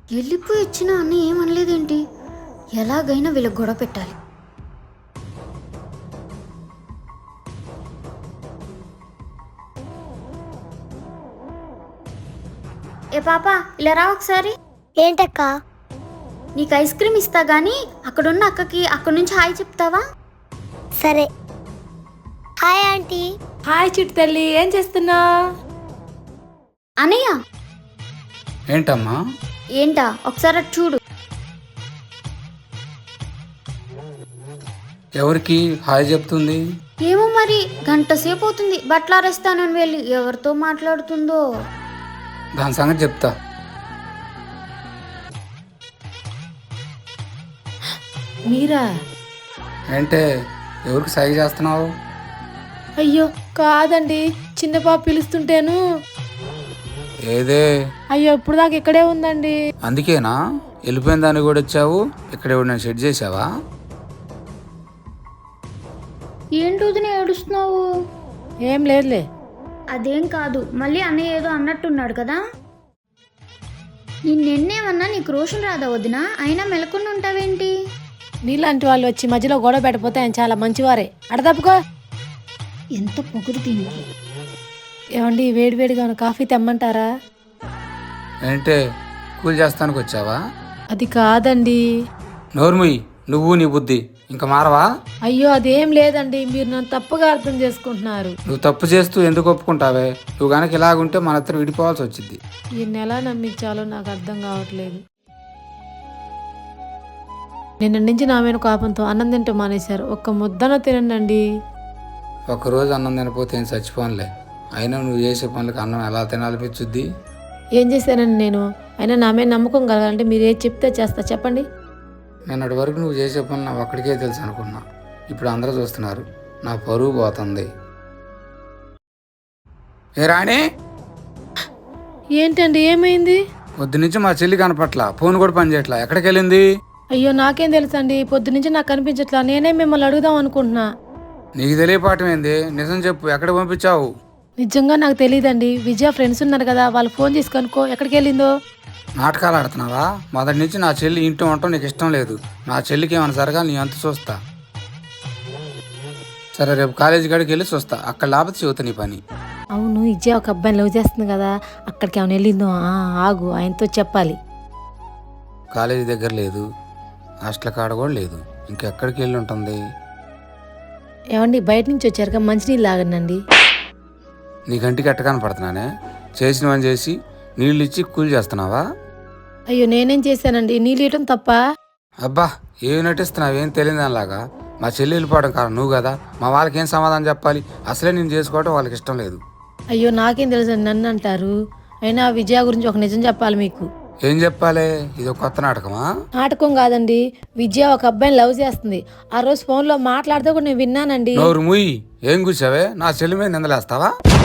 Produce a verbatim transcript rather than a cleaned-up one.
వెళ్ళిపోయి వచ్చినా అన్న ఏమనలేదేంటి? ఎలాగైనా వీళ్ళకి గొడవ పెట్టాలి. ఏ పాప ఇలా రా ఒకసారి. ఏంటక్క? నీకు ఐస్ క్రీమ్ ఇస్తా గానీ అక్కడున్న అక్కకి అక్కడి నుంచి హాయ్ చెప్తావా? సరే. Hi aunty. హాయ్ చిట్టు తల్లి, ఏం చేస్తున్నా? అనయ్య. ఏంటమ్మా? ఏంటా ఒకసారి అటు చూడు. ఎవరికి హాయ్ చెప్తుంది? ఏమో మరి, గంట సేపు అవుతుంది బట్టలు ఆరేస్తానని వెళ్ళి ఎవరితో మాట్లాడుతుందో. దాని సంగతి చెప్తా. మీరా? ఏంటే ఎవరికి సైగ చేస్తున్నావు? అయ్యో కాదండి, చిన్న పాప పిలుస్తుంటేను. ఏదే? అయ్యో ఇప్పుడు దాకా ఇక్కడే ఉందండి. అందుకేనా వెళ్ళిపోయిన దాన్ని కూడా వచ్చావు? ఇక్కడ నేను సెట్ చేసావా? ఏంటి వదిన ఏడుస్తున్నావు? ఏం లేదులే. అదేం కాదు, మళ్ళీ అన్నయ్య ఏదో అన్నట్టున్నాడు కదా. నిన్నేమన్నా నీకు రోషన్ రాదా వదిన? అయినా మెలకుండా ఉంటావేంటి? నీలాంటి వాళ్ళు వచ్చి మధ్యలో గొడవ పెట్టకపోతే ఆయన చాలా మంచివారే. అడదప్పుకో. ఎంత పొగురు దీనికి. ఏమండి వేడివేడిగా ఉన్న కాఫీ తెమ్మంటారా? ఏంటే కూల్ చేస్తానికి వచ్చావా? అది కాదండి. నోర్ముయ్, నువ్వు నీ బుద్ధి ఇంకా మారవా? అయ్యో అదేం లేదండి, మీరు నన్ను తప్పుగా అర్థం చేసుకుంటున్నారు. నువ్వు తప్పు చేస్తూ ఎందుకు ఒప్పుకుంటావే? నువ్వు గనక ఇలాగుంటే మన ఇద్దరు విడిపోవాల్సి వచ్చింది. ఈయన్ని ఎలా నమ్మించాలో నాకు అర్థం కావట్లేదు. నిన్న నుంచి నా మీద కోపంతో అన్నం తింటూ మానేశారు. ఒక్క ముద్దన తినండి. ఒకరోజు అన్నం తినపోతే ఏం చచ్చిపోనులే. అయినా నువ్వు చేసే పనులకు అన్నం ఎలా తినాలనిపించుద్ది? ఏం చేశానండి నేను? అయినా నా మీద నమ్మకం కలగాలంటే మీరు ఏది చెప్తే చేస్తా, చెప్పండి. నిన్నటి వరకు నువ్వు చేసే పనులు నా ఒక్కడికే తెలుసు అనుకున్నా. ఇప్పుడు అందరూ చూస్తున్నారు. నా పరువు పోతుంది. ఏ రాణి, ఏంటండి ఏమైంది? పొద్దు నుంచి మా చెల్లి కనపట్ల, ఫోన్ కూడా పని చేయట్లా. ఎక్కడికి వెళ్ళింది? అయ్యో నాకేం తెలుసండి, పొద్దు నుంచి నాకు కనిపించట్లా. నేనే మిమ్మల్ని అడుగుదాం అనుకుంటున్నా. నీకు తెలియపాఠం ఏంది? నిజం చెప్పు, ఎక్కడ పంపించావు? నిజంగా నాకు తెలియదండి. విజయ ఫ్రెండ్స్ ఉన్నారు కదా, వాళ్ళు ఫోన్ చేసి కనుక్కో ఎక్కడికి వెళ్ళిందో. నాటకాలు ఆడుతున్నావా? మొదటి నుంచి నా చెల్లి ఇంట్లో ఉండటం నీకు ఇష్టం లేదు. నా చెల్లికి ఏమైనా జరగాలి, నీ అంత చూస్తా. సరే రేపు కాలేజీ కాడికి వెళ్ళి చూస్తా. అక్కడ లేకపోతే చెబుతా నీ పని. అవును, విజయ ఒక అబ్బాయిని లవ్ చేస్తుంది కదా, అక్కడికి ఏమైనా వెళ్ళిందో? ఆ, ఆగు, ఆయనతో చెప్పాలి. కాలేజీ దగ్గర లేదు, హాస్టల్ కాడ కూడా లేదు. ఇంకెక్కడికి వెళ్ళి ఉంటుంది? ఏమండి బయట నుంచి వచ్చారుగా, మంచినీళ్ళు లాగండి. నీ కంటికి ఎట్ట కనపడుతున్నానే? చేసినవని చేసి నీళ్ళు ఇచ్చి కూల్ చేస్తున్నావా? అయ్యో నేనేం చేశానండి? నీళ్ళు ఇవ్వటం తప్ప? అబ్బా ఏమి నటిస్తున్నావు? ఏం తెలియదు దానిలాగా. మా చెల్లి వెళ్ళిపోవడం కారణం నువ్వు కదా. మా వాళ్ళకి ఏం సమాధానం చెప్పాలి? అసలే నేను చేసుకోవడం వాళ్ళకి ఇష్టం లేదు. అయ్యో నాకేం తెలుసు, నన్ను అంటారు. అయినా విజయ గురించి ఒక నిజం చెప్పాలి మీకు. ఏం చెప్పాలి? ఇది ఒక కొత్త నాటకమా? నాటకం కాదండి, విజయ ఒక అబ్బాయిని లవ్ చేస్తుంది. ఆ రోజు ఫోన్లో మాట్లాడితే కూడా నేను విన్నానండి. నోరు ముయ్యి. ఏం కూర్చావే? నా చెల్లి మీద నిందలేస్తావా?